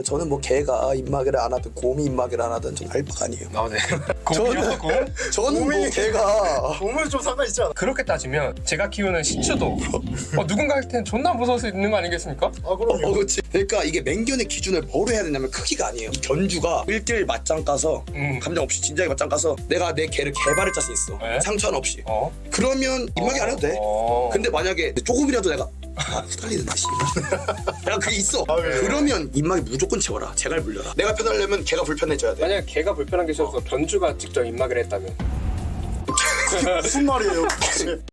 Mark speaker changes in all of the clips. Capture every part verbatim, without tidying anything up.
Speaker 1: 저는 뭐 개가 입마개를 안 하든 곰이 입마개를 안 하든 저는 알바가 아니에요.
Speaker 2: 아, 네. 곰이요? 곰?
Speaker 1: 저는 뭐 개가
Speaker 3: 곰은 좀 상관 있지 않아?
Speaker 2: 그렇게 따지면 제가 키우는 시추도 어, 누군가한테는 존나 무서울 수 있는 거 아니겠습니까?
Speaker 3: 아 그럼요.
Speaker 1: 어, 그렇지. 그러니까 이게 맹견의 기준을 뭐로 해야 되냐면 크기가 아니에요. 이 견주가 일 대 일 맞짱 까서
Speaker 2: 음.
Speaker 1: 감정 없이 진지하게 맞짱 까서 내가 내 개를 개발을 짤 수 있어.
Speaker 2: 네?
Speaker 1: 상처 하나 없이.
Speaker 2: 어?
Speaker 1: 그러면 입마개 안 해도 돼.
Speaker 2: 어.
Speaker 1: 근데 만약에 조금이라도 내가 아 후달리는다 씨발 내가 그게 있어.
Speaker 3: 아, 왜?
Speaker 1: 그러면 입마개 무조건 채워라. 제갈 물려라. 내가 편하려면 걔가 불편해져야 돼.
Speaker 2: 만약에 걔가 불편한 게 있어서 견주가 직접 입마개를 했다면
Speaker 3: 무슨 말이에요? 도대체?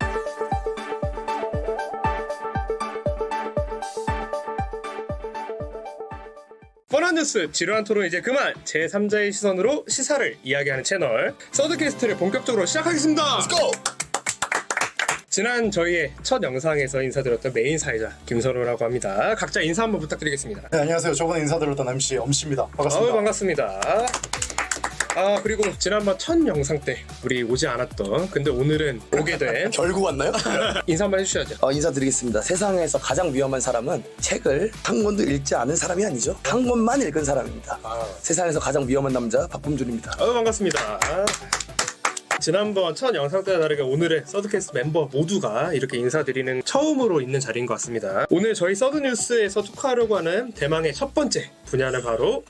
Speaker 2: 뻔한 뉴스 지루한 토론 이제 그만 제삼자의 시선으로 시사를 이야기하는 채널 서드캐스트를 본격적으로 시작하겠습니다.
Speaker 1: Let's go.
Speaker 2: 지난 저희의 첫 영상에서 인사드렸던 메인 사회자 김선호라고 합니다. 각자 인사 한번 부탁드리겠습니다.
Speaker 3: 네, 안녕하세요. 저번에 인사드렸던 엠씨 엄씨입니다.
Speaker 2: 아우
Speaker 3: 반갑습니다.
Speaker 2: 반갑습니다. 아 그리고 지난번 첫 영상 때 우리 오지 않았던 근데 오늘은 오게 된
Speaker 1: 결국 왔나요?
Speaker 2: 인사 한번 해주셔야죠.
Speaker 1: 어, 인사드리겠습니다. 세상에서 가장 위험한 사람은 책을 한 권도 읽지 않은 사람이 아니죠. 한 권만 읽은 사람입니다.
Speaker 3: 아.
Speaker 1: 세상에서 가장 위험한 남자 박범준입니다.
Speaker 2: 아유 반갑습니다. 지난번 첫 영상 때와 다르게 오늘의 서드캐스트 멤버 모두가 이렇게 인사드리는 처음으로 있는 자리인 것 같습니다. 오늘 저희 서드뉴스에서 토크하려고 하는 대망의 첫 번째 분야는 바로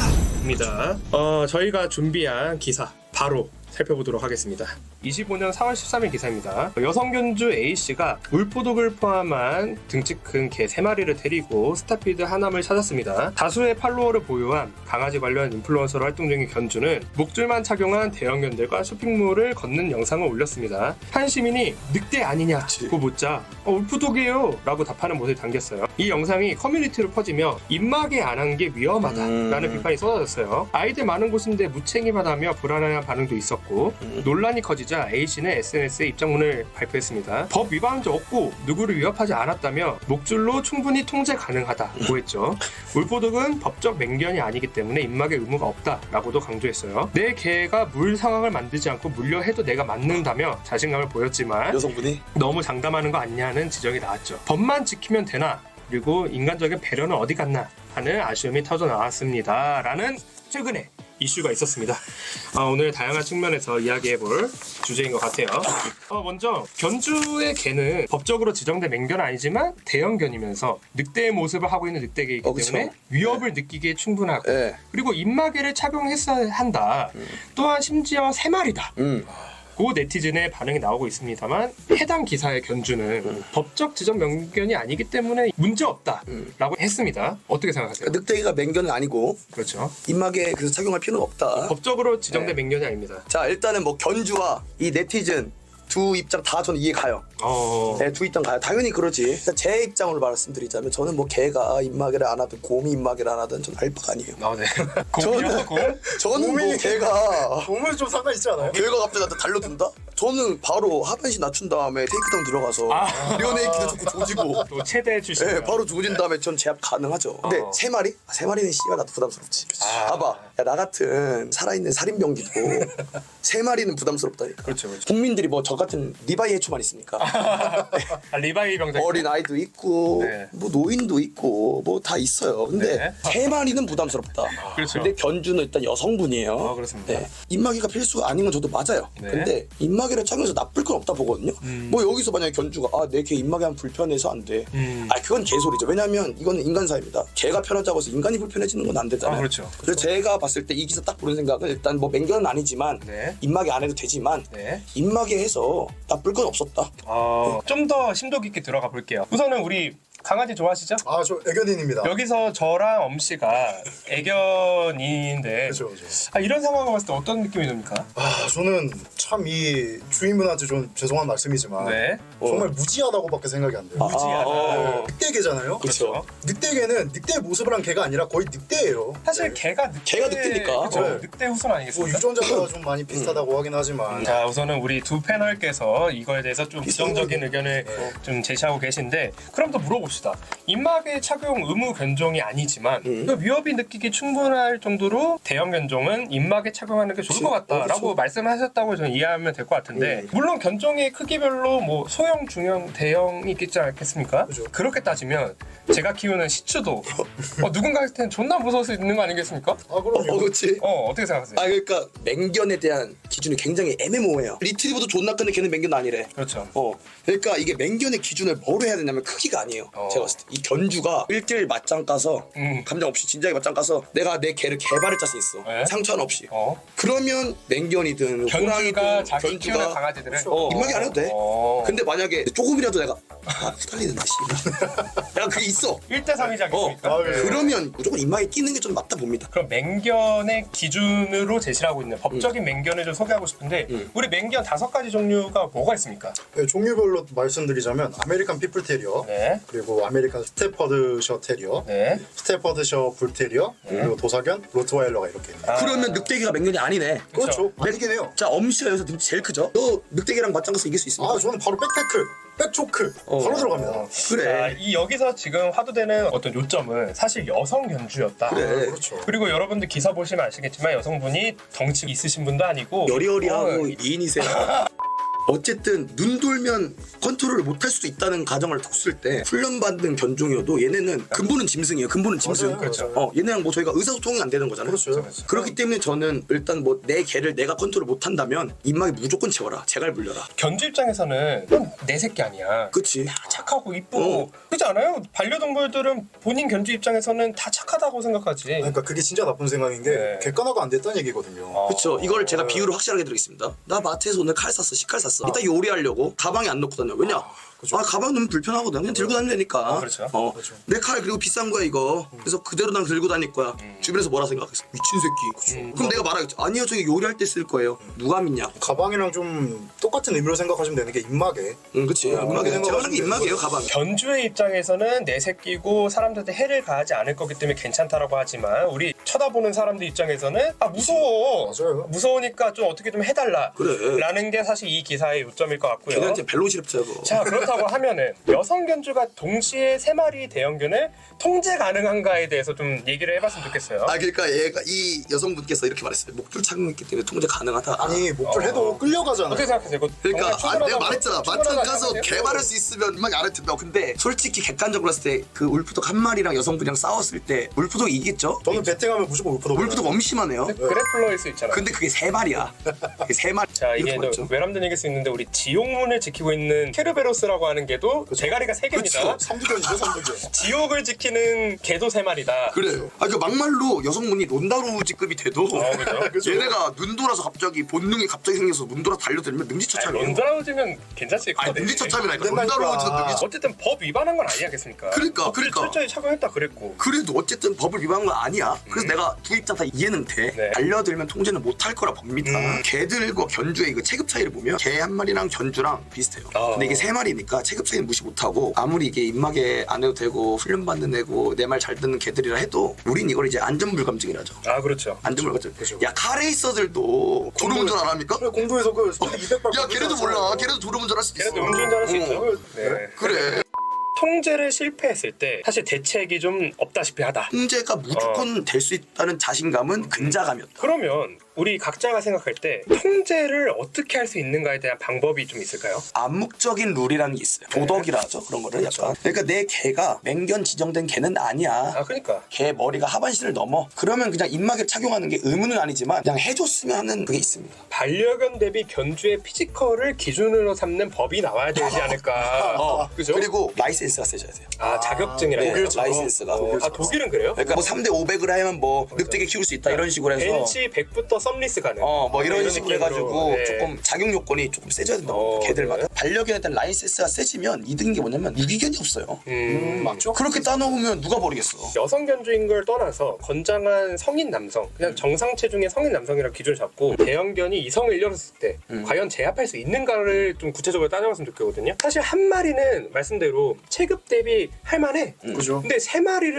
Speaker 2: 시사입니다. 어, 저희가 준비한 기사 바로 살펴보도록 하겠습니다. 이십오 년 사월 십삼일 기사입니다. 여성 견주 A씨가 울포독을 포함한 등치 큰 개 세 마리를 데리고 스타피드 하남을 찾았습니다. 다수의 팔로워를 보유한 강아지 관련 인플루언서로 활동 중인 견주는 목줄만 착용한 대형견들과 쇼핑몰을 걷는 영상을 올렸습니다. 한 시민이 늑대 아니냐고 묻자 어, 울포독이에요 라고 답하는 모습이 담겼어요. 이 영상이 커뮤니티로 퍼지며 입마개 안 한 게 위험하다라는
Speaker 1: 음.
Speaker 2: 비판이 쏟아졌어요. 아이들 많은 곳인데 무책임하다며 불안한 반응도 있었고
Speaker 1: 음.
Speaker 2: 논란이 커지자 A씨는 에스엔에스에 입장문을 발표했습니다. 법 위반한 적 없고 누구를 위협하지 않았다며 목줄로 충분히 통제 가능하다고 했죠. 울포독은 법적 맹견이 아니기 때문에 입마개 의무가 없다라고도 강조했어요. 내 개가 물 상황을 만들지 않고 물려해도 내가 맞는다며 자신감을 보였지만
Speaker 1: 여성분이
Speaker 2: 너무 장담하는 거 아니냐는 지적이 나왔죠. 법만 지키면 되나? 그리고 인간적인 배려는 어디 갔나? 하는 아쉬움이 터져 나왔습니다. 라는 최근에 이슈가 있었습니다. 어, 오늘 다양한 측면에서 이야기해볼 주제인 것 같아요. 어, 먼저 견주의 개는 법적으로 지정된 맹견은 아니지만 대형견이면서 늑대의 모습을 하고 있는 늑대개이기
Speaker 1: 어, 그쵸.
Speaker 2: 때문에 위협을 느끼기에 충분하고
Speaker 1: 예.
Speaker 2: 그리고 입마개를 착용했어야 한다. 또한 심지어 세 마리다.
Speaker 1: 음.
Speaker 2: 고 네티즌의 반응이 나오고 있습니다만 해당 기사의 견주는
Speaker 1: 음.
Speaker 2: 법적 지정 명견이 아니기 때문에 문제 없다라고
Speaker 1: 음.
Speaker 2: 했습니다. 어떻게 생각하세요?
Speaker 1: 늑대기가 맹견은 아니고
Speaker 2: 그렇죠.
Speaker 1: 입마개 그래서 착용할 필요는 없다.
Speaker 2: 법적으로 지정된
Speaker 1: 네.
Speaker 2: 맹견이 아닙니다.
Speaker 1: 자 일단은 뭐 견주와 이 네티즌 두 입장 다 저는 이해 가요.
Speaker 2: 어...
Speaker 1: 네, 두 입장 가요. 당연히 그러지. 일단 제 입장으로 말씀드리자면 저는 뭐 개가 입마개를 안 하든 곰이 입마개를 안 하든 저는 알바가 아니에요.
Speaker 2: 아, 네. 곰이요? 곰?
Speaker 1: 저는 뭐
Speaker 3: 곰이-
Speaker 1: 개가
Speaker 3: 곰은 좀 상관 있지 않아요?
Speaker 1: 개가 갑자기 나한테 달려든다? 저는 바로 하반신 낮춘 다음에 테이크다운 들어가서
Speaker 2: 아.
Speaker 1: 리어네이키드 좋고 조지고
Speaker 2: 또 최대 출신.
Speaker 1: 네, 바로 조진 다음에 전 제압 가능하죠. 근데
Speaker 2: 어.
Speaker 1: 세 마리? 아, 세 마리는 씨발 나도 부담스럽지.
Speaker 2: 아.
Speaker 1: 봐봐, 야, 나 같은 살아있는 살인병기도 세 마리는 부담스럽다니까.
Speaker 2: 그렇죠, 그렇죠.
Speaker 1: 국민들이 뭐 저 같은 리바이 해초만 있습니까?
Speaker 2: 아, 리바이 병장.
Speaker 1: 어린 아이도 있고
Speaker 2: 네.
Speaker 1: 뭐 노인도 있고 뭐 다 있어요. 근데
Speaker 2: 네.
Speaker 1: 세 마리는 부담스럽다.
Speaker 2: 그렇죠.
Speaker 1: 근데 견주는 일단 여성분이에요.
Speaker 2: 어, 그렇습니다.
Speaker 1: 네. 입마개가 필수가 아닌 건 저도 맞아요.
Speaker 2: 네.
Speaker 1: 근데 입마개를 착용해서 나쁠 건 없다 보거든요.
Speaker 2: 음.
Speaker 1: 뭐 여기서 만약에 견주가 아 내 개 입마개 하면 불편해서 안 돼.
Speaker 2: 음.
Speaker 1: 아 그건 개소리죠. 왜냐면 이거는 인간사입니다. 개가 편하자고 해서 인간이 불편해지는 건 안 되잖아요.
Speaker 2: 아, 그렇죠.
Speaker 1: 그래서 제가 봤을 때 이 기사 딱 보는 생각은 일단 뭐 맹견은 아니지만
Speaker 2: 네.
Speaker 1: 입마개 안 해도 되지만
Speaker 2: 네.
Speaker 1: 입마개 해서 나쁠 건 없었다.
Speaker 2: 어, 좀 더 심도 깊게 들어가 볼게요. 우선은 우리 강아지 좋아하시죠?
Speaker 3: 아, 저 애견인입니다.
Speaker 2: 여기서 저랑 엄씨가 애견인인데
Speaker 3: 그렇죠, 그렇죠.
Speaker 2: 아, 이런 상황을 봤을 때 어떤 느낌이 듭니까?
Speaker 3: 아, 저는 참 이 주인분한테 좀 죄송한 말씀이지만
Speaker 2: 네.
Speaker 3: 정말 무지하다고밖에 생각이 안 돼요.
Speaker 2: 무지하다.
Speaker 1: 어.
Speaker 3: 늑대개잖아요.
Speaker 2: 그렇죠.
Speaker 3: 늑대개는 늑대 모습을 한 개가 아니라 거의 늑대예요.
Speaker 2: 사실
Speaker 3: 네.
Speaker 2: 개가 늑대,
Speaker 1: 개가 늑대니까.
Speaker 2: 그쵸?
Speaker 3: 네.
Speaker 2: 늑대 후손
Speaker 3: 뭐
Speaker 2: 아니겠습니까?
Speaker 3: 유전자가 좀 많이 비슷하다고 하긴 하지만
Speaker 2: 자, 우선은 우리 두 패널께서 이거에 대해서 좀
Speaker 1: 비슷한
Speaker 2: 부정적인
Speaker 1: 거죠.
Speaker 2: 의견을
Speaker 3: 네.
Speaker 2: 좀 제시하고 계신데 그럼 또 물어보죠. 봅시다. 입마개 착용 의무 견종이 아니지만
Speaker 1: 음.
Speaker 2: 그 위협이 느끼기 충분할 정도로 대형 견종은 입마개 착용하는 게 좋을
Speaker 1: 그치.
Speaker 2: 것 같다라고
Speaker 1: 어, 그쵸.
Speaker 2: 말씀하셨다고 저는 이해하면 될 것 같은데
Speaker 1: 음.
Speaker 2: 물론 견종의 크기별로 뭐 소형, 중형, 대형이 있겠지 않겠습니까?
Speaker 3: 그죠.
Speaker 2: 그렇게 따지면 제가 키우는 시추도 어, 누군가한테는 존나 무서울 수 있는 거 아니겠습니까?
Speaker 3: 아 그럼요.
Speaker 1: 어, 그렇지.
Speaker 2: 어 어떻게 생각하세요?
Speaker 1: 아 그러니까 맹견에 대한 기준이 굉장히 애매모호해요. 리트리버도 존나 큰데 걔는 맹견 아니래.
Speaker 2: 그렇죠.
Speaker 1: 어, 그러니까 이게 맹견의 기준을 뭐로 해야 되냐면 크기가 아니에요.
Speaker 2: 어.
Speaker 1: 제가 봤을 때 이 견주가 일 대 일 맞짱 까서
Speaker 2: 음.
Speaker 1: 감정 없이 진작에 맞짱 까서 내가 내 개를 개발을 짤 수 있어.
Speaker 2: 네.
Speaker 1: 상처 하나 없이.
Speaker 2: 어.
Speaker 1: 그러면 맹견이든
Speaker 2: 견주가
Speaker 1: 호랑이든
Speaker 2: 자기 키우는 강아지들은
Speaker 1: 어, 입마개 안 해도 돼.
Speaker 2: 어.
Speaker 1: 근데 만약에 조금이라도 내가 아 후달리는다 씨발. 내가 그게 있어.
Speaker 2: 일 대 삼이지
Speaker 1: 어,
Speaker 2: 않겠습니까?
Speaker 3: 아, 그래요?
Speaker 1: 그러면 무조건 입마개 끼는 게 좀 맞다 봅니다.
Speaker 2: 그럼 맹견의 기준으로 제시를 하고 있는 법적인 맹견을 좀 소개하고 싶은데
Speaker 1: 음.
Speaker 2: 우리 맹견 다섯 가지 종류가 뭐가 있습니까?
Speaker 3: 네, 종류별로 말씀드리자면 아메리칸 피플 테리어,
Speaker 2: 네.
Speaker 3: 그리고 아메리칸 스테퍼드셔 테리어,
Speaker 2: 네.
Speaker 3: 스테퍼드셔 불 테리어, 그리고 도사견, 로트와일러가 이렇게 있네요.
Speaker 2: 아.
Speaker 1: 그러면 늑대기가 맹견이 아니네.
Speaker 3: 그렇죠. 아니긴 해요.
Speaker 1: 자 엄씨가 여기서 늑대 제일 크죠? 너 늑대기랑 맞짱 가서 이길 수 있습니까?
Speaker 3: 아 저는 바로 백테크, 백초크
Speaker 1: 어.
Speaker 3: 바로 들어갑니다.
Speaker 1: 그래.
Speaker 2: 자, 이 여기서 지금 화두되는 어떤 요점은 사실 여성 견주였다.
Speaker 1: 그래.
Speaker 3: 그렇죠.
Speaker 2: 그리고 여러분들 기사 보시면 아시겠지만 여성분이 덩치 있으신 분도 아니고
Speaker 1: 여리여리하고
Speaker 2: 어,
Speaker 1: 미인이세요. 어쨌든 눈 돌면 컨트롤을 못할 수도 있다는 가정을 뒀을 때 훈련받는 견종이어도 얘네는 근본은 짐승이에요. 근본은 짐승.
Speaker 3: 맞아요,
Speaker 2: 그렇죠.
Speaker 3: 맞아요.
Speaker 1: 어, 얘네랑 뭐 저희가 의사소통이 안 되는 거잖아요.
Speaker 3: 그렇죠.
Speaker 2: 그렇죠.
Speaker 1: 그렇기 때문에 저는 일단 뭐 내 개를 내가 컨트롤 못한다면 입마개 무조건 채워라. 제갈 물려라.
Speaker 2: 견주 입장에서는 그건 내 새끼 아니야.
Speaker 1: 그치?
Speaker 2: 착하고 이쁘고
Speaker 1: 어.
Speaker 2: 그렇지 않아요? 반려동물들은 본인 견주 입장에서는 다 착하다고 생각하지.
Speaker 3: 그러니까 그게 진짜 나쁜 생각인 게
Speaker 2: 네.
Speaker 3: 객관화가 안 됐다는 얘기거든요.
Speaker 2: 어.
Speaker 1: 그쵸. 이걸 제가 비유를 확실하게 드리겠습니다. 나 마트에서 오늘 칼 샀어. 식칼 샀어. 이따 요리하려고 가방에 안 넣고 다녀. 왜냐?
Speaker 3: 그쵸.
Speaker 1: 아 가방 넣으면 불편하거든. 그냥 들고 다니면 되니까.
Speaker 2: 어, 그렇죠.
Speaker 1: 어.
Speaker 3: 그렇죠.
Speaker 1: 내 칼 그리고 비싼 거야 이거. 그래서 그대로 난 들고 다닐 거야. 주변에서 뭐라 생각했어? 미친 새끼.
Speaker 2: 음.
Speaker 1: 그럼 내가 말하겠지. 아니요 저기 요리할 때 쓸 거예요. 누가 믿냐?
Speaker 3: 가방이랑 좀 똑같은 의미로 생각하시면 되는 게 입마개.
Speaker 1: 응 그치.
Speaker 3: 어,
Speaker 1: 입마개.
Speaker 3: 그렇게
Speaker 1: 제가 하는 게
Speaker 3: 생각하시면
Speaker 1: 입마개예요
Speaker 3: 돼요.
Speaker 1: 가방.
Speaker 2: 견주의 입장에서는 내 새끼고 사람들한테 해를 가하지 않을 거기 때문에 괜찮다라고 하지만 우리 쳐다보는 사람들 입장에서는 아 무서워.
Speaker 3: 맞아요.
Speaker 2: 무서우니까 좀 어떻게 좀 해달라.
Speaker 1: 그래.
Speaker 2: 라는 게 사실 이 기사의 요점일 것 같고요.
Speaker 1: 걔네한테 벨로시럽트야 그거.
Speaker 2: 자 그렇다고 하면은 여성 견주가 동시에 세 마리 대형견을 통제 가능한가에 대해서 좀 얘기를 해봤으면 좋겠어요.
Speaker 1: 아 그러니까 얘가 이 여성분께서 이렇게 말했어요. 목줄 착용했기 때문에 통제 가능하다.
Speaker 3: 아니 목줄
Speaker 2: 어.
Speaker 3: 해도 끌려가잖아요.
Speaker 2: 어떻게 생각하세요? 이거
Speaker 1: 그러니까
Speaker 2: 정말
Speaker 1: 아, 내가
Speaker 2: 충분하다고-
Speaker 1: 말했잖아. 마트
Speaker 2: 충분하다고
Speaker 1: 가서
Speaker 2: 생각하세요?
Speaker 1: 개발할 수 있으면 막 알아듣다 근데 솔직히 객관적으로 봤을 때 그 울프독 한 마리랑 여성분이랑 싸웠을 때 울프독이 이기겠죠?
Speaker 3: 저는 배팅하면 무조건 울프도.
Speaker 1: 울프독 엄심하네요.
Speaker 2: 그래플러일 수 있잖아.
Speaker 1: 근데 그게 세 마리야. 그게 세 마리.
Speaker 2: 자 이게
Speaker 1: 이렇게
Speaker 2: 또
Speaker 1: 맞죠?
Speaker 2: 외람된 얘기일 수 있는데 우리 지옥문을 지키고 있는 케르베로스라고 하는 개도 대가리가 세 개입니다.
Speaker 1: 그쵸.
Speaker 3: 삼두견이죠 삼두견.
Speaker 2: 지옥을 지키는 개도 세 마리다.
Speaker 1: 그래. 아, 그 막말로 여성분이 론다루지급이 돼도
Speaker 2: 어, 그죠?
Speaker 3: 그죠.
Speaker 1: 얘네가 눈 돌아서 갑자기 본능이 갑자기 생겨서 눈 돌아 달려들면 능지처참이에요.
Speaker 2: 런드라우지면 괜찮지.
Speaker 1: 아니
Speaker 2: 그거
Speaker 1: 능지처참이라니까.
Speaker 3: 된다니까.
Speaker 1: 론다루지도 능지.
Speaker 2: 어쨌든 법 위반한 건 아니겠습니까?
Speaker 1: 그러니까,
Speaker 2: 법을
Speaker 1: 그러니까.
Speaker 2: 철저히 착용했다 그랬고.
Speaker 1: 그래도 어쨌든 법을 위반한 건 아니야. 그래서 내가 두 입장 다 이해는 돼.
Speaker 2: 네.
Speaker 1: 달려들면 통제는 못할 거라 봅니다.
Speaker 3: 음.
Speaker 1: 개들과 견주의 그 체급 차이를 보면 개 한 마리랑 견주랑 비슷해요.
Speaker 2: 아.
Speaker 1: 근데 이게 세 마리니까 체급 차이는 무시 못하고 아무리 이게 입마개 안 해도 되고 훈련받는 애고 내 말 잘 듣는 개들이라 해도 우린 이걸 이제 안전불감증이라죠.
Speaker 2: 아 그렇죠.
Speaker 1: 안전불감증.
Speaker 3: 그죠.
Speaker 1: 야 카레이서들도 도로운전 안 합니까?
Speaker 3: 그래, 공도에서 그 스피드 이백 발.
Speaker 1: 야 걔네도 몰라. 걔네도 도로운전 할 수도 있어.
Speaker 2: 걔네도 음주운전할 수
Speaker 1: 어.
Speaker 2: 있죠. 네.
Speaker 1: 그래.
Speaker 2: 통제를 실패했을 때 사실 대책이 좀 없다시피 하다.
Speaker 1: 통제가 무조건 될 수 있다는 자신감은 근자감이었다.
Speaker 2: 그러면 우리 각자가 생각할 때 통제를 어떻게 할 수 있는가에 대한 방법이 좀 있을까요?
Speaker 1: 암묵적인 룰이라는 게 있어요. 도덕이라 하죠. 그런 거를 약간. 그러니까 내 개가 맹견 지정된 개는 아니야.
Speaker 2: 아 그러니까
Speaker 1: 개 머리가 하반신을 넘어. 그러면 그냥 입마개 착용하는 게 의무는 아니지만 그냥 해줬으면 하는 그게 있습니다.
Speaker 2: 반려견 대비 견주의 피지컬을 기준으로 삼는 법이 나와야 되지 않을까.
Speaker 1: 어,
Speaker 2: 그죠?
Speaker 1: 그리고 라이센스가 세져야 돼요.
Speaker 2: 아 자격증이라
Speaker 1: 네,
Speaker 2: 해요.
Speaker 1: 라이센스가.
Speaker 2: 어, 아 독일은 그래요?
Speaker 1: 그러니까 뭐 삼 대 오백을 하면 뭐 늑대개 키울 수 있다 이런 식으로 해서
Speaker 2: 벤치 백부터 썸리스 가능.
Speaker 1: 어 뭐 이런 식으로
Speaker 2: 느낌으로.
Speaker 1: 해가지고
Speaker 2: 네.
Speaker 1: 조금 자격 요건이 조금 세져야 된다고
Speaker 2: 어,
Speaker 1: 봅니다. 개들마다.
Speaker 2: 네.
Speaker 1: 반려견에 대한 라이센스가 세지면 이득인 게 뭐냐면 유기견이 없어요.
Speaker 2: 음,
Speaker 3: 맞죠?
Speaker 1: 그렇게 따놓으면 누가 버리겠어.
Speaker 2: 여성 견주인 걸 떠나서 건장한 성인 남성, 그냥 정상 체중의 성인 남성이라고 기준을 잡고 대형견이 이성을 잃었을 때
Speaker 1: 음.
Speaker 2: 과연 제압할 수 있는가를 좀 구체적으로 따져봤으면 좋겠거든요. 사실 한 마리는 말씀대로 체급 대비 할만해.
Speaker 1: 음.
Speaker 3: 그죠.
Speaker 2: 근데 세 마리를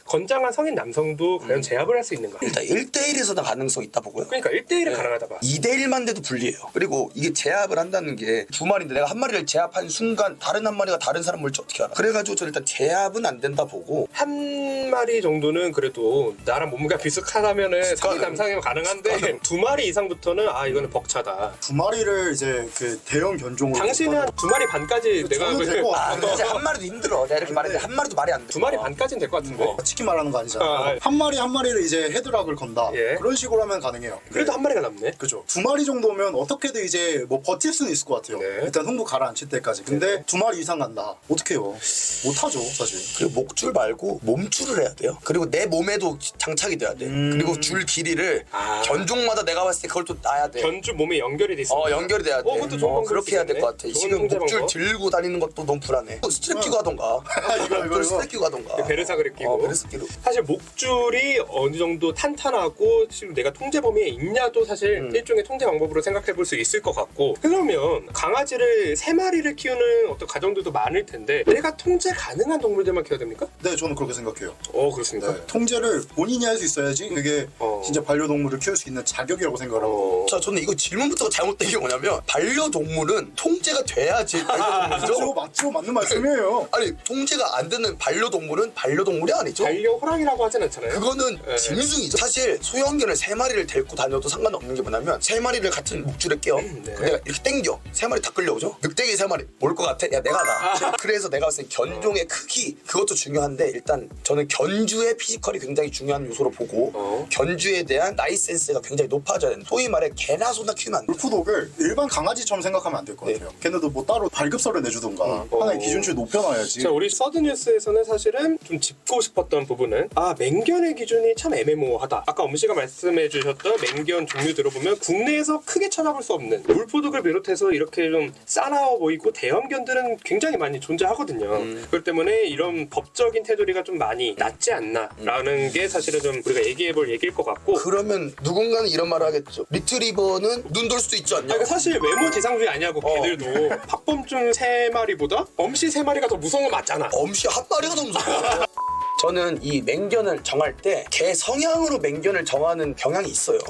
Speaker 2: 건장한 성인 남성도 과연
Speaker 1: 음.
Speaker 2: 제압을 할 수 있는가?
Speaker 1: 일단 일 대일에서는 가능성이 있다 보고요.
Speaker 2: 그러니까 일 대일은
Speaker 1: 네.
Speaker 2: 가능하다 봐.
Speaker 1: 이 대일만 돼도 불리해요. 그리고 이게 제압을 한다는 게 두 마리인데 내가 한 마리를 제압한 순간 다른 한 마리가 다른 사람 물지 어떻게 알아? 그래가지고 저는 일단 제압은 안 된다 보고
Speaker 2: 한 마리 정도는 그래도 나랑 몸무게가 비슷하다면은 성인 남성이면 가능한데 두 마리 이상부터는 아 이거는 벅차다.
Speaker 3: 두 마리를 이제 그 대형 견종으로
Speaker 2: 당신은 한 두 마리 반까지 내가
Speaker 3: 저는
Speaker 2: 그-
Speaker 3: 될것
Speaker 1: 아
Speaker 3: 같아요.
Speaker 1: 근데 이제 한 마리도 힘들어. 내가 이렇게 말했는데 한 마리도 말이 안 돼.
Speaker 2: 두 마리 반까지는 될 것 같은데.
Speaker 1: 어.
Speaker 3: 치킨 말하는 거 아니잖아요.
Speaker 2: 아, 아.
Speaker 3: 한 마리 한 마리를 이제 헤드락을 건다.
Speaker 2: 예.
Speaker 3: 그런 식으로 하면 가능해요.
Speaker 2: 그래도 한 마리가 남네.
Speaker 3: 그죠. 두 마리 정도면 어떻게든 이제 뭐 버틸 수는 있을 것 같아요.
Speaker 2: 네.
Speaker 3: 일단 흥부 가라앉힐 때까지. 근데 두 마리 이상 간다. 어떡해요. 못하죠 사실.
Speaker 1: 그리고 목줄 말고 몸줄을 해야 돼요. 그리고 내 몸에도 장착이 돼야 돼.
Speaker 3: 음.
Speaker 1: 그리고 줄 길이를
Speaker 2: 아.
Speaker 1: 견종마다 내가 봤을 때 그걸 또 놔야 돼.
Speaker 2: 견주 몸에 연결이 돼 있어.
Speaker 1: 어 연결이 돼야 돼.
Speaker 2: 어, 그것도 좋은 방법일
Speaker 1: 그렇게
Speaker 2: 수
Speaker 1: 해야 될
Speaker 2: 있겠네.
Speaker 1: 것 같아.
Speaker 2: 좋은
Speaker 1: 지금
Speaker 2: 통제
Speaker 1: 목줄
Speaker 2: 방법.
Speaker 1: 들고 다니는 것도 너무 불안해. 스트랩 끼고 하던가.
Speaker 3: 이거, 이거,
Speaker 1: 목줄
Speaker 3: 이거.
Speaker 1: 스트랩 끼고 하던가.
Speaker 2: 베르사그를 끼고.
Speaker 1: 어, 베르사 끼고.
Speaker 2: 사실 목줄이 어느 정도 탄탄하고 지금 내가 통제 범위에 있냐도 사실
Speaker 1: 음.
Speaker 2: 일종의 통제 방법으로 생각해 볼 수 있을 것 같고, 그러면 강아지를 세 마리를 키우는 어떤 가정들도 많을 텐데 내가 통제 가능한 동물들만 키워야 됩니까?
Speaker 3: 네, 저는 그렇게 생각해요.
Speaker 2: 어 그렇습니까?
Speaker 3: 네. 통제를 본인이 할 수 있어야지 그게
Speaker 2: 어.
Speaker 3: 진짜 반려동물을 키울 수 있는 자격이라고 생각을 하고.
Speaker 1: 자, 저는 이거 질문부터가 잘못된 게 뭐냐면 반려동물은 통제가 돼야지
Speaker 3: 맞죠,
Speaker 1: 반려동물이죠.
Speaker 3: 맞죠, 맞는 말씀이에요.
Speaker 1: 아니 통제가 안 되는 반려동물은 반려동물이 아니죠.
Speaker 2: 반려 호랑이라고 하진 않잖아요.
Speaker 1: 그거는
Speaker 2: 네.
Speaker 1: 짐승이죠. 사실 소형견을 세 마리를 데리고 다녀도 상관없는 게 뭐냐면 세 마리를 같은 목줄에 끼워.
Speaker 2: 네.
Speaker 1: 그럼 내가 이렇게 당겨. 세 마리 다 끌려오죠. 늑대기 세 마리 올 것 같아? 야 내가 나. 그래서 내가 봤을 때 견종의 크기 그것도 중요한데 일단 저는 견주의 피지컬이 굉장히 중요한 요소로 보고
Speaker 2: 어.
Speaker 1: 견주에 대한 라이센스가 굉장히 높아져야 된다. 소위 말해 개나 소나 키우면 안 돼.
Speaker 3: 울프독을 일반 강아지처럼 생각하면 안 될 것
Speaker 1: 네.
Speaker 3: 같아요. 걔네도 뭐 따로 발급서를 내주던가
Speaker 2: 음.
Speaker 3: 하나의
Speaker 2: 어.
Speaker 3: 기준치를 높여놔야지.
Speaker 2: 자, 우리 서든뉴스에서는 사실은 좀 짚고 싶었던 부분은 아 맹견의 기준이 참 애매모호하다. 아까 엄씨가 말씀해주셨던 맹견 종류 들어보면 국내에서 크게 찾아볼 수 없는 울프독을 비롯해서 이렇게 좀 싸나워 보이고 대형견들은 굉장히 많이 존재하거든요.
Speaker 1: 음.
Speaker 2: 그렇기 때문에 이런 법적인 테두리가 좀 많이 낮지 않나라는 게 사실은 좀 우리가 얘기해볼 얘기일 것 같고.
Speaker 1: 그러면 누군가는 이런 말을 하겠죠. 리트리버는 눈 돌 수도 있지 않냐?
Speaker 2: 그러니까 사실 외모 지상주의 아니냐고
Speaker 1: 어.
Speaker 2: 걔들도 박범준 세 마리보다 엄씨 세 마리가 더 무서운 거 맞잖아.
Speaker 1: 엄씨 한 마리가 너무 무서워. 저는 이 맹견을 정할 때 개 성향으로 맹견을 정하는 경향이 있어요.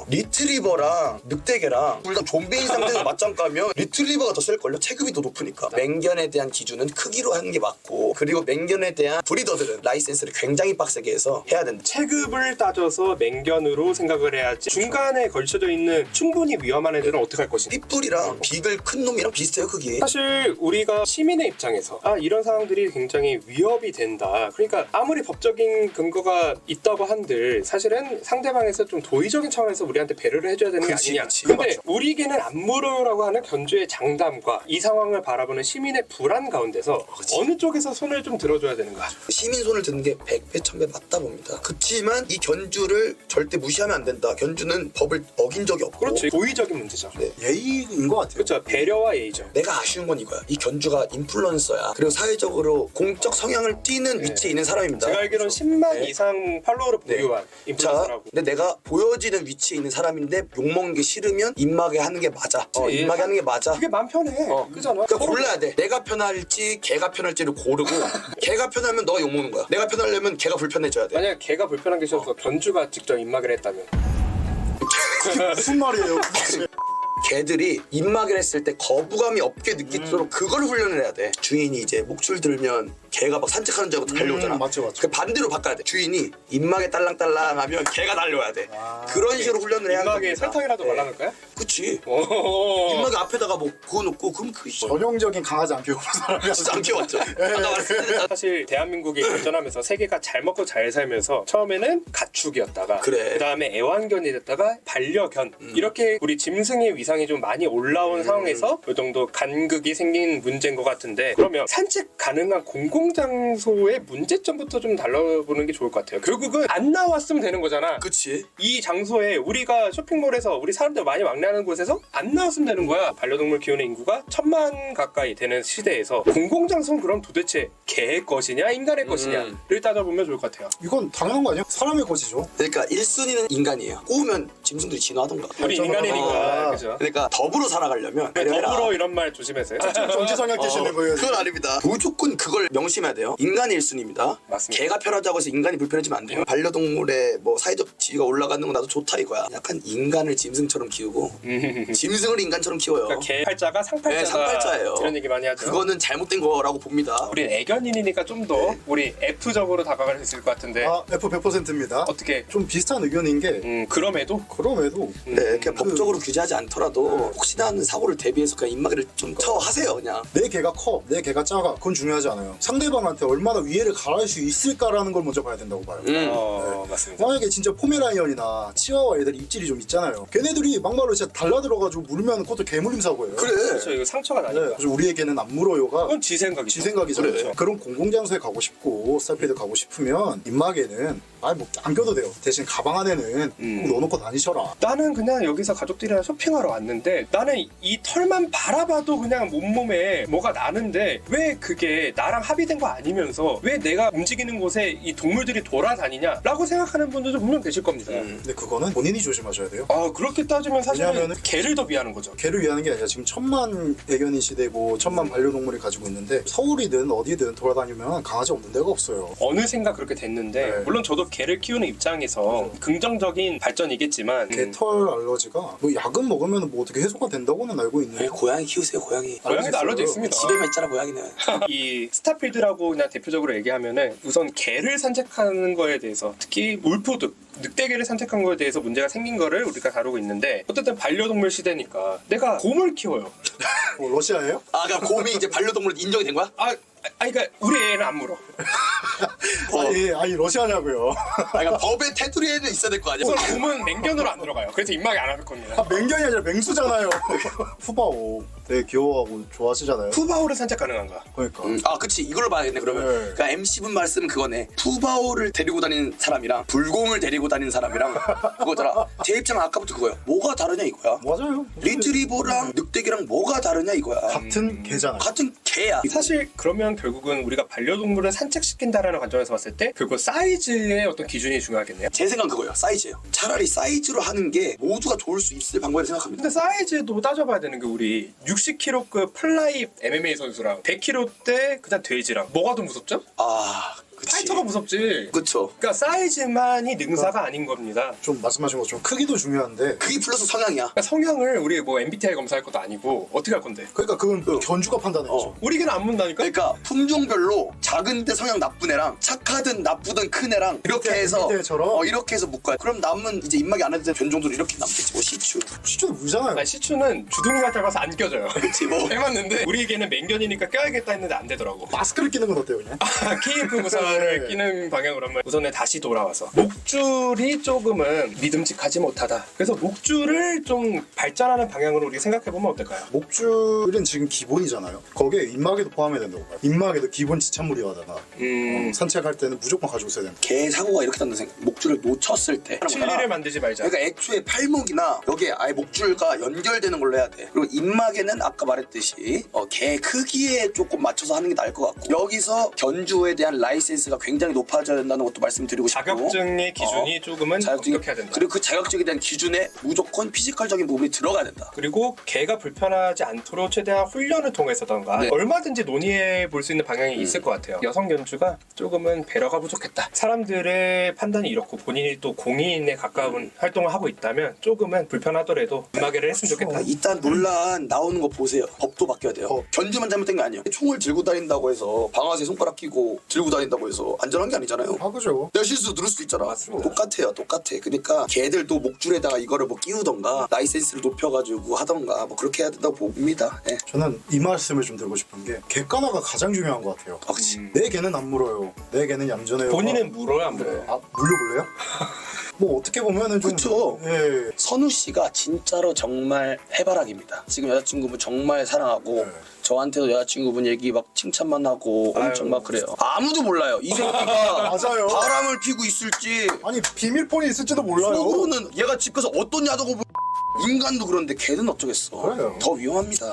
Speaker 1: 리트리버랑 늑대개랑 둘 다 좀비인 상태에서 맞짱 까면 리트리버가 더 셀걸요? 체급이 더 높으니까. 맹견에 대한 기준은 크기로 하는 게 맞고, 그리고 맹견에 대한 브리더들은 라이센스를 굉장히 빡세게 해서 해야 된다.
Speaker 2: 체급을 따져서 맹견으로 생각을 해야지 중간에 걸쳐져 있는 충분히 위험한 애들은 어떻게 할 것인가.
Speaker 1: 핏불이랑 비글 큰 놈이랑 비슷해요 크기.
Speaker 2: 사실 우리가 시민의 입장에서 아 이런 상황들이 굉장히 위협이 된다. 그러니까 아무리 법적인 근거가 있다고 한들 사실은 상대방에서 좀 도의적인 차원에서 우리한테 배려를 해줘야 되는 게
Speaker 1: 그치,
Speaker 2: 아니냐.
Speaker 1: 그치.
Speaker 2: 근데
Speaker 1: 맞죠.
Speaker 2: 우리 개는 안 물으라고 하는 견주의 장담과 이 상황을 바라보는 시민의 불안 가운데서
Speaker 1: 그치.
Speaker 2: 어느 쪽에서 손을 좀 들어줘야 되는가.
Speaker 1: 시민 손을 드는 게 백 배, 천 배 맞다 봅니다. 그치만 이 견주를 절대 무시하면 안 된다. 견주는 법을 어긴 적이 없고.
Speaker 2: 그렇지. 도의적인 문제죠.
Speaker 1: 네.
Speaker 3: 예의인 것 같아요.
Speaker 2: 그렇죠. 배려와 예의죠.
Speaker 1: 내가 아쉬운 건 이거야. 이 견주가 인플루언서야. 그리고 사회적으로 공적 성향을 띠는 위치에 있는 사람입니다.
Speaker 2: 제가 알기로는 십만
Speaker 1: 네.
Speaker 2: 이상 팔로워를
Speaker 1: 네.
Speaker 2: 보유한
Speaker 1: 자,
Speaker 2: 인플루언서라고.
Speaker 1: 근데 내가 보여지는 위치에 있는 사람인데 욕먹는 게 싫으면 입마개 하는 게 맞아. 어,
Speaker 2: 그치.
Speaker 1: 입마개 하는 게 맞아.
Speaker 2: 그게 마음 편해.
Speaker 1: 어.
Speaker 2: 그잖아.
Speaker 1: 그러니까 골라야 돼. 내가 편할지 걔가 편할지를 고르고 걔가 편하면 너가 욕먹는 거야. 내가 편하려면 걔가 불편해져야 돼.
Speaker 2: 만약 걔가 불편한 게 싫어서 견주가 직접 입마개를 했다면
Speaker 3: 무슨 말이에요?
Speaker 1: 개들이 입마개를 했을 때 거부감이 없게 느끼도록
Speaker 2: 음.
Speaker 1: 그걸 훈련을 해야 돼. 주인이 이제 목줄 들면 개가 막 산책하는 줄 알고 달려오잖아.
Speaker 3: 음, 맞죠, 맞죠.
Speaker 1: 그 반대로 바꿔야 돼. 주인이 입마개 딸랑딸랑 하면 개가 달려와야 돼. 그런 식으로 훈련을 해야
Speaker 2: 입마개에
Speaker 1: 겁니다.
Speaker 2: 설탕이라도
Speaker 1: 네.
Speaker 2: 발라놓을까요?
Speaker 1: 그치.
Speaker 2: 오.
Speaker 1: 입마개 앞에다가 뭐 그거 놓고 그럼 그
Speaker 3: 전형적인 강아지 안 키우는 사람이야.
Speaker 1: 진짜 안 키웠죠. 아까 말했을
Speaker 2: 사실 대한민국이 발전하면서 세계가 잘 먹고 잘 살면서 처음에는 가축이었다가
Speaker 1: 그래.
Speaker 2: 그다음에 애완견이 됐다가 반려견
Speaker 1: 음.
Speaker 2: 이렇게 우리 짐승의 위상이 좀 많이 올라온 상황에서 이 정도 간극이 생긴 문제인 것 같은데, 그러면 산책 가능한 공공장소의 문제점부터 좀 달라보는 게 좋을 것 같아요. 결국은 안 나왔으면 되는 거잖아.
Speaker 1: 그치.
Speaker 2: 이 장소에 우리가 쇼핑몰에서 우리 사람들 많이 왕래하는 곳에서 안 나왔으면 되는 거야. 반려동물 키우는 인구가 천만 가까이 되는 시대에서 공공장소는 그럼 도대체 개의 것이냐 인간의 것이냐를 따져보면 좋을 것 같아요.
Speaker 3: 이건 당연한 거 아니에요? 사람의 것이죠.
Speaker 1: 그러니까 일 순위는 인간이에요. 꼬우면 짐승들이 진화하던가.
Speaker 2: 우리
Speaker 3: 발전을
Speaker 2: 인간이니까
Speaker 3: 하고.
Speaker 2: 그죠?
Speaker 1: 그러니까 더불어 살아가려면 배려해라.
Speaker 2: 더불어 이런 말 조심하세요.
Speaker 3: 정치 성향 띄시는 거예요.
Speaker 1: 그건 아닙니다. 무조건 그걸 명시 조심해야 돼요. 인간이 일 순위입니다.
Speaker 2: 맞습니다.
Speaker 1: 개가 편하다고 해서 인간이 불편해지면 안 돼요. 반려동물의 뭐 사회적 지위가 올라가는 건 나도 좋다 이거야. 약간 인간을 짐승처럼 키우고 짐승을 인간처럼 키워요.
Speaker 2: 그러니까 개 팔자가 상팔자가
Speaker 1: 네, 상팔자예요.
Speaker 2: 이런 얘기 많이 하죠.
Speaker 1: 그거는 잘못된 거라고 봅니다.
Speaker 2: 우리 애견인이니까 좀 더
Speaker 1: 네.
Speaker 2: 우리 F적으로 다가갈 수 있을 것 같은데
Speaker 3: 아 F 백 퍼센트입니다.
Speaker 2: 어떻게?
Speaker 3: 좀 비슷한 의견인 게
Speaker 2: 음 그럼에도
Speaker 3: 그럼에도
Speaker 1: 네, 그냥 법적으로 규제하지 않더라도 혹시나 하는 사고를 대비해서 그냥 입마개를 좀 처하세요 그냥.
Speaker 3: 내 개가 커, 내 개가 작아, 그건 중요하지 않아요. 상대방한테 얼마나 위해를 가할 수 있을까라는 걸 먼저 봐야 된다고 봐요.
Speaker 1: 음.
Speaker 2: 어 맞습니다.
Speaker 3: 만약에 진짜 포메라이언이나 치와와 애들이 입질이 좀 있잖아요. 걔네들이 막말로 진짜 달라들어가지고 물면 그것도 개물림 사고예요.
Speaker 1: 그래.
Speaker 2: 그렇죠. 이거 상처가
Speaker 3: 네,
Speaker 2: 나니까.
Speaker 3: 그래서 우리의 개는 안 물어요가
Speaker 2: 그건 지 생각이죠.
Speaker 3: 지 생각이잖아요.
Speaker 1: 그래.
Speaker 3: 그런 공공장소에 가고 싶고 스타필드 가고 싶으면 입마개는 아예 뭐안 껴도 돼요. 대신 가방 안에는
Speaker 2: 음.
Speaker 3: 꼭 넣어놓고 다니셔라.
Speaker 2: 나는 그냥 여기서 가족들이랑 쇼핑하러 왔는데 나는 이 털만 바라봐도 그냥 몸몸에 뭐가 나는데 왜 그게 나랑 합의된 거 아니면서 왜 내가 움직이는 곳에 이 동물들이 돌아다니냐라고 생각하는 분들도 분명 계실 겁니다.
Speaker 1: 음.
Speaker 3: 근데 그거는 본인이 조심하셔야 돼요.
Speaker 2: 아 그렇게 따지면 사실은
Speaker 3: 왜냐면은-
Speaker 2: 개를 더 미하는 거죠.
Speaker 3: 개를 위하는 게 아니라 지금 천만 애견인 시대고 천만 반려동물이 가지고 있는데 서울이든 어디든 돌아다니면 강아지 없는 데가 없어요.
Speaker 2: 어느샌가 그렇게 됐는데
Speaker 3: 네.
Speaker 2: 물론 저도 개를 키우는 입장에서 긍정적인 발전이겠지만
Speaker 3: 개
Speaker 2: 음,
Speaker 3: 털 알러지가 뭐 약은 먹으면 뭐 어떻게 해소가 된다고는 알고
Speaker 1: 네,
Speaker 3: 있네요.
Speaker 1: 고양이 키우세요 고양이.
Speaker 2: 고양이도 알러지 있습니다.
Speaker 1: 집에만 있잖아 고양이는.
Speaker 2: 이 스타필드라고 그냥 대표적으로 얘기하면은 우선 개를 산책하는 거에 대해서 특히 울프드 늑대개를 산책한 거에 대해서 문제가 생긴 거를 우리가 다루고 있는데 어쨌든 반려동물 시대니까 내가 곰을 키워요.
Speaker 3: 뭐 러시아예요?
Speaker 1: 아 그러니까 곰이 이제 반려동물로 인정이 된 거야?
Speaker 2: 아, 아니 그러니까 우리 애는 안 물어.
Speaker 1: 어.
Speaker 3: 아니 아니 러시아냐고요.
Speaker 1: 아, 그러니까 법의 테두리에는 있어야 될 거 아니야?
Speaker 2: 우선 곰은 맹견으로 안 들어가요. 그래서 입막이 안 할 겁니다.
Speaker 3: 아, 맹견이 아니라 맹수잖아요. 푸바오 되게 귀여워하고 좋아하시잖아요.
Speaker 2: 푸바오를 산책 가능한가?
Speaker 3: 그러니까
Speaker 1: 음, 아 그치 이걸로 봐야겠네 그러면.
Speaker 3: 네.
Speaker 1: 그러니까 엠씨분 말씀은 그거네. 푸바오를 데리고 다니는 사람이랑 불곰을 데리고 다니는 사람이랑 그거더라. 제 입장은 아까부터 그거야. 뭐가 다르냐 이거야.
Speaker 3: 맞아요.
Speaker 1: 리트리버랑 늑대기랑 뭐가 다르냐 이거야.
Speaker 3: 같은 개잖아요.
Speaker 1: 같은 개야.
Speaker 2: 사실 그러면 결국은 우리가 반려동물을 산책시킨다라는 관점에서 봤을 때 결국 사이즈의 어떤 기준이 중요하겠네요.
Speaker 1: 제 생각은 그거예요. 사이즈예요. 차라리 사이즈로 하는 게 모두가 좋을 수 있을 방법이라고 생각합니다.
Speaker 2: 근데 사이즈도 따져봐야 되는 게 우리 육십 킬로급 플라이 엠엠에이 선수랑 백 킬로대 그냥 돼지랑 뭐가 더 무섭죠?
Speaker 1: 아 그치.
Speaker 2: 파이터가 무섭지.
Speaker 1: 그쵸.
Speaker 2: 그러니까 사이즈만이 능사가 아닌 겁니다.
Speaker 3: 좀 말씀하신 것처럼 크기도 중요한데
Speaker 1: 그게 플러스 성향이야.
Speaker 2: 그러니까 성향을 우리 뭐 엠비티아이 검사할 것도 아니고 어떻게 할 건데?
Speaker 3: 그러니까 그건 뭐 견주가 판단해야죠.
Speaker 1: 어.
Speaker 2: 우리 개는 안 문다니까?
Speaker 1: 그러니까 품종별로 작은데 성향 나쁜 애랑 착하든 나쁘든 큰 애랑 이렇게
Speaker 3: 밑에,
Speaker 1: 해서
Speaker 3: 밑에처럼?
Speaker 1: 어, 이렇게 해서 묶어야 돼. 그럼 남은 이제 입막이 안 해도 되는 견종들은 이렇게 남겠지. 뭐 시추.
Speaker 3: 시초도 물잖아요.
Speaker 2: 아니, 시추는 주둥이가 짧아서 안 껴져요.
Speaker 1: 그치 뭐.
Speaker 2: 해봤는데 우리 개는 맹견이니까 껴야겠다 했는데 안 되더라고.
Speaker 3: 마스크를 끼는 건 어때요 그냥?
Speaker 2: 케이에프 구사를
Speaker 3: 네.
Speaker 2: 끼는 방향으로 한번 우선에 다시 돌아와서 목줄이 조금은 믿음직하지 못하다. 그래서 목줄을 좀 발전하는 방향으로 우리 생각해보면 어떨까요?
Speaker 3: 목줄은 지금 기본이잖아요. 거기에 입마개도 포함해야 된다고 봐요. 입마개도 기본 지참물이하다가
Speaker 2: 음...
Speaker 3: 어, 산책할 때는 무조건 가지고 있어야 된다.
Speaker 1: 개 사고가 이렇게 난다 생각. 목줄을 놓쳤을 때.
Speaker 2: 칠리를 만들지 말자.
Speaker 1: 그러니까 애초에 팔목이나 여기에 아예 목줄과 연결되는 걸로 해야 돼. 그리고 입막에는 아까 말했듯이 어, 개 크기에 조금 맞춰서 하는 게 나을 것 같고 여기서 견주에 대한 라이센스가 굉장히 높아져야 된다는 것도 말씀드리고 싶고
Speaker 2: 자격증의 기준이
Speaker 1: 어,
Speaker 2: 조금은
Speaker 1: 자격증이-
Speaker 2: 엄격해야 된다.
Speaker 1: 그리고 그 자격증에 대한 기준에 무조건 피지컬적인 부분이 들어가야 된다.
Speaker 2: 그리고 개가 불편하지 않도록 최대한 훈련을 통해서던가
Speaker 1: 네.
Speaker 2: 얼마든지 논의해 볼 수 있는 방향이 있을 것 같아요. 여성 견주가 조금은 배려가 부족했다. 사람들의 판단이 이렇고 본인이 또 공인에 가까운 활동을 하고 있다면 조금은 불편하더라도 음악회를 했으면 좋겠다.
Speaker 1: 아, 일단 논란 나오는 거 보세요. 법도 바뀌어야 돼요.
Speaker 3: 법.
Speaker 1: 견주만 잘못된 게 아니에요. 총을 들고 다닌다고 해서 방아쇠 손가락 끼고 들고 다닌다고 해서 안전한 게 아니잖아요.
Speaker 3: 아 그죠.
Speaker 1: 내가 실수 들을 수도 있잖아.
Speaker 2: 맞습니다.
Speaker 1: 똑같아요, 똑같아. 그러니까 걔들도 목줄에다가 이거를 뭐 끼우던가 라이센스를 높여가지고 하던가 뭐 그렇게 해야 된다고 봅니다. 예.
Speaker 3: 저는 이 말씀을 좀 드리고 싶은 게 객관화가 가장 중요한 것 같아요.
Speaker 1: 아, 그치.
Speaker 2: 음.
Speaker 3: 내 개는 안 물어요. 내 개는 얌전해요.
Speaker 2: 본인은 물어요 안 물어요?
Speaker 3: 아 물려볼래요? 뭐 어떻게 보면은 좀
Speaker 1: 그쵸.
Speaker 3: 예.
Speaker 1: 선우 씨가 진짜로 정말 해바라기입니다. 지금 여자친구분 정말 사랑하고
Speaker 3: 네.
Speaker 1: 저한테도 여자친구분 얘기 막 칭찬만 하고 엄청
Speaker 2: 아유.
Speaker 1: 막 그래요. 아무도 몰라요. 이 새끼가
Speaker 3: 맞아요.
Speaker 1: 바람을 피고 있을지
Speaker 3: 아니 비밀폰이 있을지도 몰라요.
Speaker 1: 속으로는 얘가 집 가서 어떤 야동을 보... 인간도 그런데 걔는 어쩌겠어.
Speaker 3: 그래요.
Speaker 1: 더 위험합니다.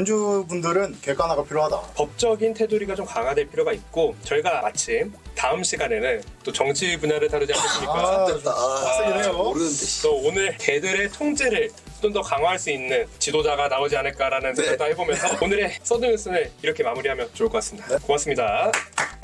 Speaker 3: 견주분들은 객관화가 필요하다.
Speaker 2: 법적인 테두리가 좀 강화될 필요가 있고 저희가 마침 다음 시간에는 또 정치 분야를 다루지 않겠습니까?
Speaker 3: 아,
Speaker 1: 됐다.
Speaker 3: 빡세긴 해요.
Speaker 1: 모르는데. 씨.
Speaker 2: 또 오늘 개들의 통제를 좀 더 강화할 수 있는 지도자가 나오지 않을까라는
Speaker 1: 네.
Speaker 2: 생각도 해보면서 오늘의 서든뉴스는 이렇게 마무리하면 좋을 것 같습니다. 고맙습니다.